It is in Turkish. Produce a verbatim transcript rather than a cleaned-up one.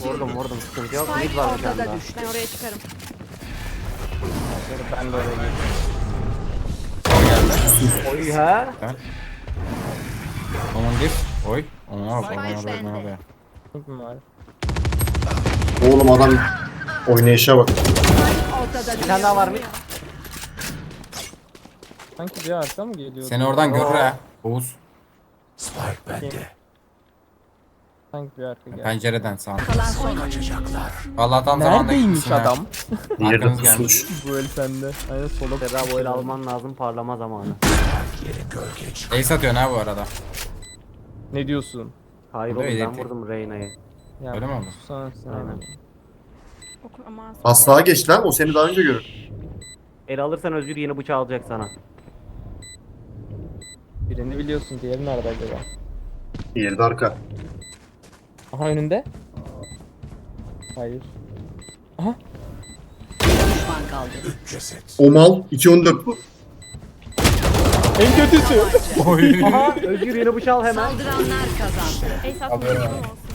Vurdum vurdum sıkıntı yok. Mid Spike var bir tane ortada daha. düştü. Ben oraya çıkarım. Ben de oraya girdim. Geldi. Oy ha. Onun diff. Oy. Ona bak. Spike Ona bak. bende. Ona bak. Kim var? Oğlum adam oynayışa bak. Ortada Bir tane daha var mı? Sanki bir arka mı geliyor? Seni oradan görür ha. Oğuz. Sanki bir arka geldi. Pencereden sağ. Kalan son. Vallahi tam zamanında Neredeymiş gitmişsin ha. adam? Diğeri de Arkanız gelmiş. pusmuş. Bu el sende. Aynen sola Serra böyle alman lazım parlama zamanı. Ace atıyorsun ha bu arada. Ne diyorsun? Hayır Bu da oğlum ben ileride. vurdum Reyna'yı. Ya, Öyle mi oldu? Sana sen. Aynen. Oku- Ama Aslığa geç lan, o seni daha önce görür. El alırsan Özgür yeni bıçağı alacak sana. Birini biliyorsun, diğeri nerede acaba? Diğeri de arka. Aha önünde. Hayır. Aha. düşman kaldı. O mal iki on dört bu. En kötüsü. Oy. Aha Özgür yeni bıçağı al hemen. Saldıranlar kazandı. Ace Haberim atmayı var. olsun.